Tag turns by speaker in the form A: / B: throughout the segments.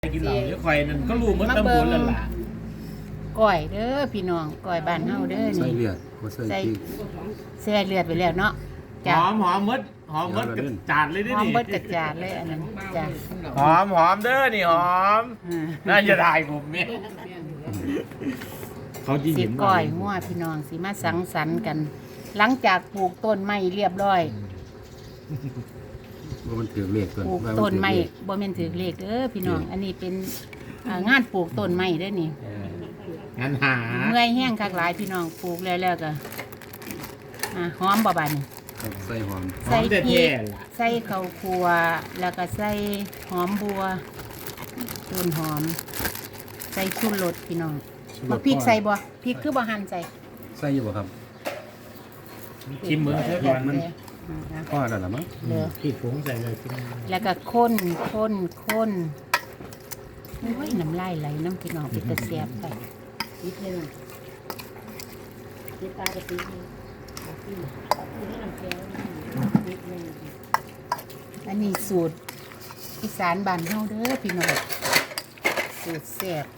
A: กินเหล้าเดี๋ยวข่อยนั่นก็รู้หมดทั้งหมดแล้วล่ะ
B: ก้อยเด้อพี่น้องก้อยบ้านเฮาเด้อ
C: ใส่
B: นี่
C: เลือดบ่ใส่พริก
B: แซ่เลือดไปแล้วเนาะ
A: ห
B: จ้ะ
A: อมหมดกับจานเลยนี่
B: หอมเบิดกระจาดเลยอันนั้นจ้ะ
A: หอมเด้อนี่หอม
B: อ่า
A: น่าจะได้ผมเนี่ยเขาจี
B: สิ
A: เห็น
B: ก้อยมั่วพี่น้องสิมาสังสรรค์กัน หลังจากปลูกต้นไม้เรียบร้อย
C: ว่ามันถือเลข
B: ปลูกต้นไม้บ่แม่นถือเลขเด้อพี่น้อง อันนี้เป็นงานปลูกต้นไม้เด้อนี่
A: งั้นหา
B: เมื่อยแห้งคักหลายพี่น้องปลูกแล้วก็หอมบ่บาดนี่
C: ใส่หอม
A: หอมแต่
B: พริ
A: แท้
B: ก
A: ล่ะ
B: ใส่ข้าวคั่วแล้วก็ใส่หอมบัวต้นหอม ใส่ชูรสพี่น้องบักพริกใส่บ่พริกคือบ่หั่นใส่
C: ใส่อยู่บ่ครับ
A: ชิมมือเท่าก่อนมัน
C: พอแล้วล่ะมั้ง
B: เหลือ
A: พี่ผงใส่เลย
B: แล้วก็ข้นโอ้ยน้ำลายไหลน้ำพี่น้องเป็นตะเสียบไปนิดนึงนิดปลากระติกอันนี้สูตรอีสานบ้านเฮาเด้อพี่น้องสูตรแซ่บ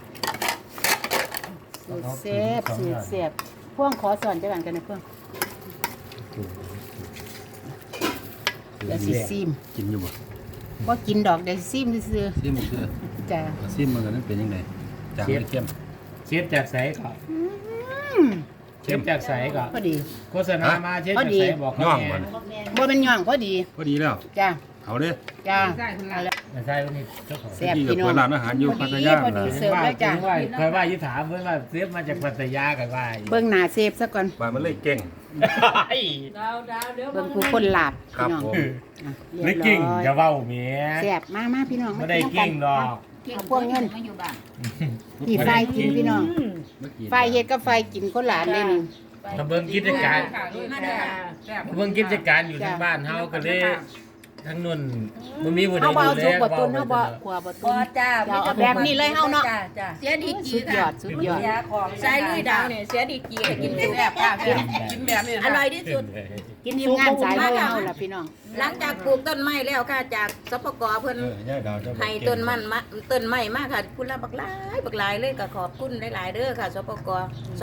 B: สูตรแซ่บพ่วงขอสอนจังหวัดกันนะพ่วงเดี๋ยวสิซิม
C: กินอยู่บ่
B: ว่ากินดอกเดี๋ยวซิมซื่อ
C: ซิมมันคือ
B: ๆจ้ะ
C: ซิมมันก็นั้นเป็นยังไงจางไม่เข้ม
A: เชฟจากใสก่อนเชฟจากใสก่อน
B: พอดี
A: โฆษณามาเชฟจากใสบอกเขา
C: ย่อง
A: แน่
C: บ่น
B: บ่เป็นหย่องพอดี
C: พอดีแล้ว
B: จ้ะ
C: เอาเด้อ
B: จ้ะเอาละ
A: ไม่ใช่วันนี้เจ้าของ
B: แซ่บ
C: ที่กับ
B: พี่น้อง
C: เปิดร้านอาหารอยู่พัทยา
B: พอดี
C: ล่ะ
B: เสิร์ฟแล้วจ้ะ
A: เคยว่ายุถามเพื่อนว่าเชฟมาจากพัทยากันว่า
B: เบิ่งหน้าเซฟซะก่อน
C: ว่ามันเลยเก่ง
B: เบิ่งผู้คนหลับ
C: ครับ
B: พี่น้อง
C: ผม
B: อ่ะ
A: ไม่
B: เรียบ
A: กิ่ง
B: ร้อย
A: จะเว้าเมีย
B: แซ่บมาพี่น้อง
A: ไม่ได้กิ่งดอก
B: เอาพวกเงินนี่ไฟกินพี่น้อง
C: เมื่อกี้
B: ไฟเฮ็ดกับไฟกินคนหลานเลยนี่
A: ถ้าเบิ่งกิจการเบิ่งกิจการอยู่ที่บ้านเฮาก็เลยทั้งนุ่นมันมีผู้ใด
B: เฮาบ่
A: ดู
B: เอา
A: แล
B: สุกบ่ตุนเฮาบ่ขัวบ่ตุ
D: บ่
B: น
D: จ้า
B: เราเอาแบบนี้เลยเฮาเนาะ
D: จ้า
E: เสียดีกี
B: สุดยอ
E: ค่ะ
B: ดสุดยอด
D: เสียของ
E: ใช้ลุยดาวเนี่ยเสียดีกีให้กินแซ่บๆค่ะกินแบบนี้อร่อยที่สุด
B: กินทีมงานสายเลยเฮาล่ะพี่น้อง
E: หลังจากปลูกต้นไม้แล้วค่ะจากสปกเพิ่น
C: ย่าดาวเจ้า
E: ให้ต้นไม้มาค่ะคุณละบักหลายเลยก็ขอบคุณหลายๆเด้อค่ะสปก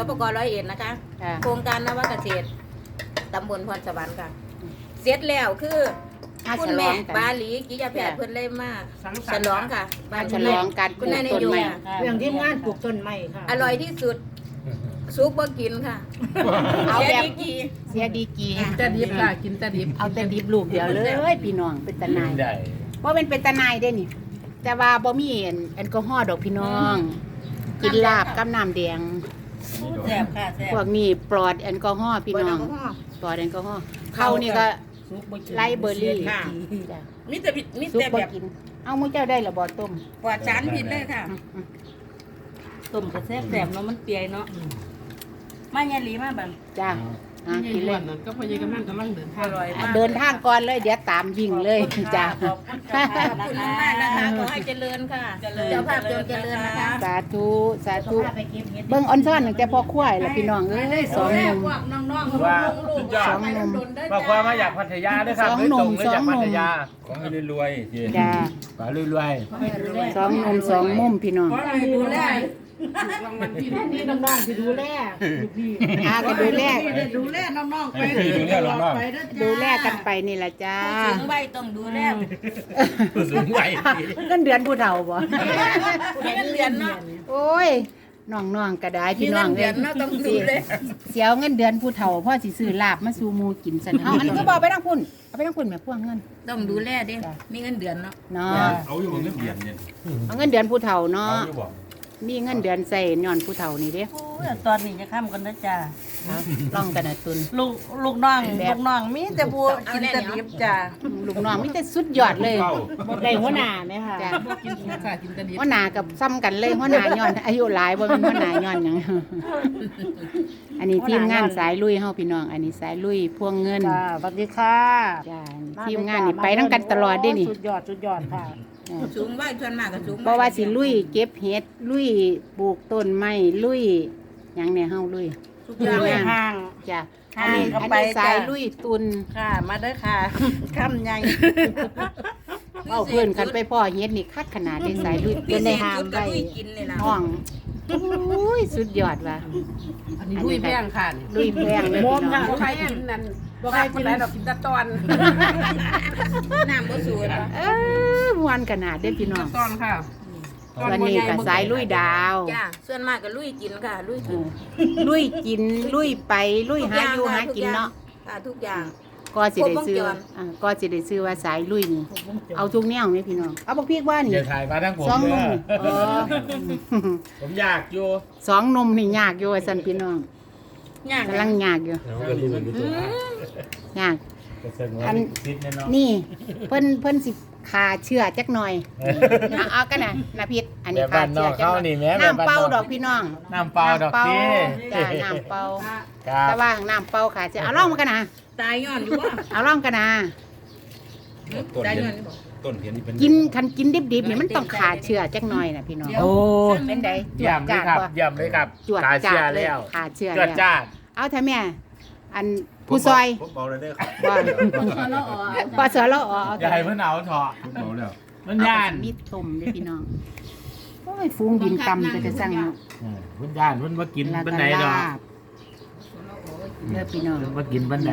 E: 101นะคะ
B: ค่ะ
E: โครงการนวเกษตรตำบลพรสวรรค์ค่ะ เสร็จแล้วคือ
B: มา
E: คุ
B: ฉ
E: ณ
B: ล
E: แม่
B: องกัน
E: ปาหลีกิยาแพทย์เพิ่นเลยมาฉลองค่ะ
B: มาฉลองการป
E: คุ
B: ลู
E: ณ
B: ก
E: นายน
B: ต้น
E: โย
B: ไม้
D: เรื่องที่งานปลูกต้นไม้ค่ะ
E: อร่อยที่สุดซุปบ่กินค่ะ
B: เอา
E: เสีย
B: แบบ
E: ดีกี
B: เสียดีกี
D: แต่ดิบค่ะกินแต่ดิบ
B: เอาแต่ดิบลูกเดียวเลยพี่น้องเป็นตาหนาย
A: ได้
B: ว่าเป็นตาหนายได้นี่ แต่ว่าบ่มีแอลกอฮอล์ดอกพี่น้อง กินลาบกับน้ำแดง
D: แซ่บค่ะแซ่บ
B: พวกนี้ปลอดแอลกอฮอล์พี่น้องปลอดแอลกอฮอล์เข้านี่ก็ไลเบอร์รี่จ้ะ
E: มีแต่มี
B: ซุป
E: แต่
B: บ่
E: แบบ
B: กิน เอามื้อเจ้าได้ละบ่ต้ม
E: ปลอดสารพิษเลยค่ะ
D: ต้มก็แซ่บแซ่บเนาะมันเปียเนาะมาเนี่ยหลีมาบัง
B: จ้ากินเลย
D: ก็พยายามกำลังเดินทางอร่อยมาก
B: เดินทางก่อนเลยเดี๋ยวตามยิงเลยจ้า
E: ขอบคุณมากนะคะขอให้เจริญค่ะเจ้าภาพจงเจริญนะคะ
B: สาธุสาธุเบิ่งออนซ่อนตั้งแต่พ่อควายล่ะพี่น้องเอ้ยสองหนุ่ม
A: ว่าสุดยอ
B: ส
A: ด
B: องหนุ่ม
A: บอกว่ามาจากพัทยาด้วยครับ
B: สอง
A: โดย
B: หนุ่
A: ตร
B: ม
A: งเลยจาก
B: สองหนุ่
A: พั
B: ม
A: ทยา
C: ของให้รวยๆที่
B: จ้า
A: ป่ารวย
B: สองหนุ่มสองมุมพี่น้อง
D: ดูแลนี่น้องๆที่ดูแลพี่
B: อาก็ดูแล
D: ดูแลน้องๆไป
C: ดูแลน้อง
B: ดูแลกันไปนี่แหละจ้า
E: ถึงใบต้องดูแล
A: ๆผู้สูงวัย
B: เงินเดือนผู้เฒ่าบ่
E: มีเงินเดือนเนาะ
B: โอ้ยน้องๆก็ได้
E: มี
B: พี่น้
E: เงิ
B: อง
E: นเดือนเนาะต้องดูแล
B: เสียวเงินเดือนผู้เฒ่าพ่อสิซื้อลาบมาสู่หมู่กินซั่นเอาอันนี้ก็บ่ไปทางพุ่นเอาไปทางพุ่นแม่พวงเงิน
E: ต้องดูแลเด้มีเงินเดือนเนาะ
B: เนาะ
C: เอาอยู่บนเงินเดือนเนี่ย
B: เอาเงินเดือนผู้เฒ่าเนาะ
C: เอาอยู่บ่
B: มีเงินเดือนใส่ย้อนผู้เฒ่านี่เด้
D: โอ้ยตอนนี้จะข้ามกันนะจ้า
B: เอาลองกันนะตุน
D: ลูกน้องมีแต่บัวกินแต่ดิบจ้า
B: ลูกน้องมีแต่สุดยอดเลย
D: ได้หัวหน้าไหมค่ะ
B: จ้ะ
D: กินค่ะกินแต่ดิบ
B: หัวหน้ากับซ้ำกันเลยหัวหน้าย้อนอายุหลายบ่แม่นหัวหน้าย้อนหยัง อันนี้ทีมงานสายลุยเฮาพี่น้อง อันนี้สายลุยพวงเงิน
D: จ้าสวัสดีค่ะ
B: จ้าทีมงานนี่ไปนํกันตลอดเด้นี่
D: สุดยอดค่ะ
E: สูงใบส่วนมากก็สูง
B: เพราะว่าสิลุยเก็บเห็ดลุยปลูกต้นไม้ลุยหยังเนี่ยเฮาลุย
D: ทุกอย่างเลยห่าง
B: จ้ะ
D: ห่า
B: อัน
D: ง
B: นี้
D: เข้า
B: อัน
D: ไป
B: นี้สาย
D: จ้ะ
B: ลุยตุน
D: ค่ะ มาเด้อค่ะ คำใหญ่
B: เว้าเพิ่นกันไปพ่อเฮ็ดนี่คักขนาดได้สายลุย
E: พิ
B: เป็น
E: เศ
B: ได้
E: ษ
B: หาม
E: สุดก็
B: ได้
E: ลุยกินนี่ล่ะ
B: ห้องโอ้ยสุดยอดว่ะ
F: อันนี้ลุยแพงค่ะนี่
B: ลุยแพงเลย
F: มอ
B: พี่
F: ม
B: น้
F: ค่ะ
B: อง
F: บ่ใครกินนั่นบ่ใครกินได้ดอกกินแต่ตอน
E: น้ำบ่สูด
B: ม่วนขนาดเด้อพี่น้อง
F: ตอนค่ะ
B: วันนี้ก็สายลุยดาว
E: จ้าส่วนมากก็ลุยกินค่ะ ลุย
B: เอ
E: กิน
B: อลุยกินลุยไปลุยหาอยู่หากินเนาะ
E: ค่ะทุกอย่าง
B: ก็สิได้ซื้อ
E: ครบวงจร
B: ก็สิได้ซื้อว่าสายลุยนี่เอาทุกแนวนี่พี่น้องเอาบักพริกว่านี่
A: อย่าถ่ายมาทั้งผม
B: สองห
A: เด้
B: นุ่ม
A: อ ผมอยากอยู่
B: สองหนุ่มนี่ยากอยู่ว่าซั่นพี่น้อง
E: ยาก
B: กำลังยากอยู่
A: เอาก็รู้อยู่ตัวย
B: าก
A: ก็เสงว่า
B: อัน
A: ซิดแน่นอน
B: นี่เพิ่นสิขาเชื่อจักหน่อยเอากันนะนาพิษอันนี้
A: แบบ
B: ขา
A: บ้านน
B: เชื่
A: อ
B: อก จัก
A: เขา
B: หน่อย
A: นี่แม่
B: น้ำเปล่า
A: แบบบ้นน
B: ดอกพี่น้อง
A: น้ำเปล่าดอกตี
B: จ้าน้ำเปล่า
A: ครับ
B: แต่ว่าน้ำเปล่าขาเชื่อเอาล่องมากันนะ
E: ตายย้อนอยู่ว่า
B: เอาล่องกันนะ
C: ต้น
E: ตาย
C: เห็
E: ย้อน นอยู่บ่
C: ต้นเห็นนี่เป็น
B: กินคันกินดิบๆนี่มันต้องขาเชื่อจักหน่อยนะพี่น้อง
A: โอ้
B: เป็นไดจว
A: เยี่ย
B: ด
A: มเล
B: จ้าย
A: ครับ
B: บ่
A: เยี่ยมเลยครับ
B: จวด
A: ตาเชี
B: จ้าย เลย
A: แล้ว
B: ขาเชื่อ
A: จว
B: แล้
A: ด
B: ว
A: จ้าด
B: เอาเถอะแม่อันผู้ซอย
C: ผมเบาเลยเด้อครับ
B: บ่ปอสอละอ๋อ
A: อย่าให้เพิ่นเอาเถอะ
C: ผมเบาแล้ว
A: มันย่าน
B: มีต้มเด้อพี่น้องโอ้ยฟูงดินตำก็จะสั่งเนาะ
A: เพิ่นย่านเพิ่นมากิน
B: แล้ว
A: บัน
B: ก็
A: ไดดอก
B: ลาบเด้อพี่น้อง
A: เพิ่นมากินบันได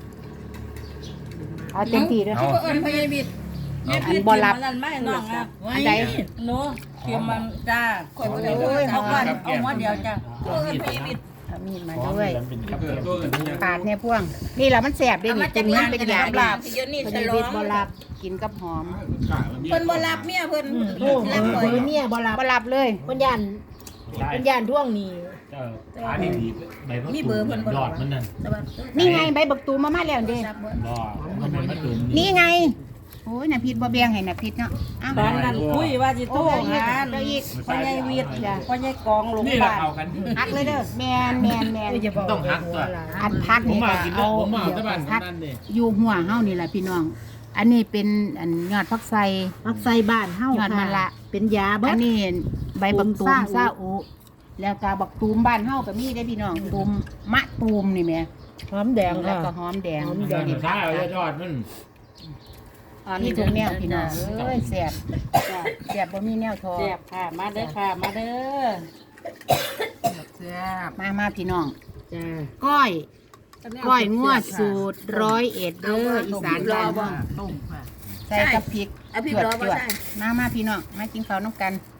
B: เอาเต็มที่เด้อ
A: เอา
E: เอิ้นพยาบิด
B: อันบ่รับ
D: มันไม่น้องครับ
B: อันใด
D: หนูเขียมมันจ้า
E: ข่อยบ่ได้
B: โอ้ย
D: เอาก่อนเอาหัวเดียวจ้า
E: เอิ้นพยาบิด
B: เอามีดมา
A: ของ
B: ด้วย
A: มันเป็นกับ
C: เออตัวอื่นเนี่ย
B: ปาดเนี่ยพวง นี่แหละมันแสบเด้
E: เอา
B: นี่
E: มา
B: กิ
E: จาก
B: นมั
E: ร้าน น
B: เป็น
E: เป็น
B: ยา
E: ลา
B: ลา
E: บบ เดี๋ยวนี้
B: เพิ่น
E: ฉ
B: ได้
E: ลอ
B: วิ
E: ง
B: ตบ่รับกินกับหอม
E: เพิ่นบ่รับเมียเพิ่น
F: โอ้
E: รับข่อย
F: เมียบ่รับ
B: บ่รับเลย
F: เพิ่นย่านท่วงนี่
A: ขาดีใบมะกรูดยอดมันนั่น
E: แต่ว่า
B: นี่ไงใบบักตูมมาแล้วเด้
E: รับบ่
A: บ่มันเป็นมะตูม
B: นี่ไง โอ้ยน่ะพิษบ่แบ่งให้น่ะพิษเนาะอ้าว
D: ตอนนั้นคุยว่าสิโทรหา
B: เอาอีก
D: พ่อใหญ่วิทย์พ่อใหญ่กองลง
A: นี่เรา
D: บ้าน
A: เอากัน
B: ฮักเลยเด้อแม่นแม่นแม่น
A: ต้องหักตัว
B: อันพัก
A: ผม
B: นี่
A: มา
B: ก็
A: กิน
B: เอา
A: ผมมา
B: เดี๋ยว
A: ที่บ้าน
B: พัก
A: นั่นนี่
B: อยู่หัวเฮานี่แหละพี่น้อง อันนี้เป็นอันยอดผักไทร
F: มักใส่บ้านเฮาย
B: อดมันละ
F: เป็นยาเบิ
B: อั
F: ด
B: นนี้ใบบักตูม
F: ตูม
B: ซาอุแล้วก็บักตูมบ้านเฮาก็มีได้อพี่น้องตูมมะตูมนี่แหม่
F: หอมแดง
B: แล้ว
F: ค่ะ
B: ก็หอมแดง
F: หอม
A: เดี๋ยวถ้าเอายอดมัน
B: นี่ทุกแนวพี่น้องเอ้ยแซ่บแซ่บบ่มีแนวทอ
D: แซ่บค่ะ มาเด้อค่ะ มาเด้อ
F: แซ่บ
B: มาพี่น้อง
F: จ้า
B: ก้อยงวดสูตร101เด้ออีสานบ้านเฮา
F: ต้มค่ะ
B: ใส่กับพริก
E: เอาพี่
B: จวด
E: รอ
B: จ
E: บ่
B: วด
E: ได้
B: มาพี่น้องมากินข้าวน้ำกัน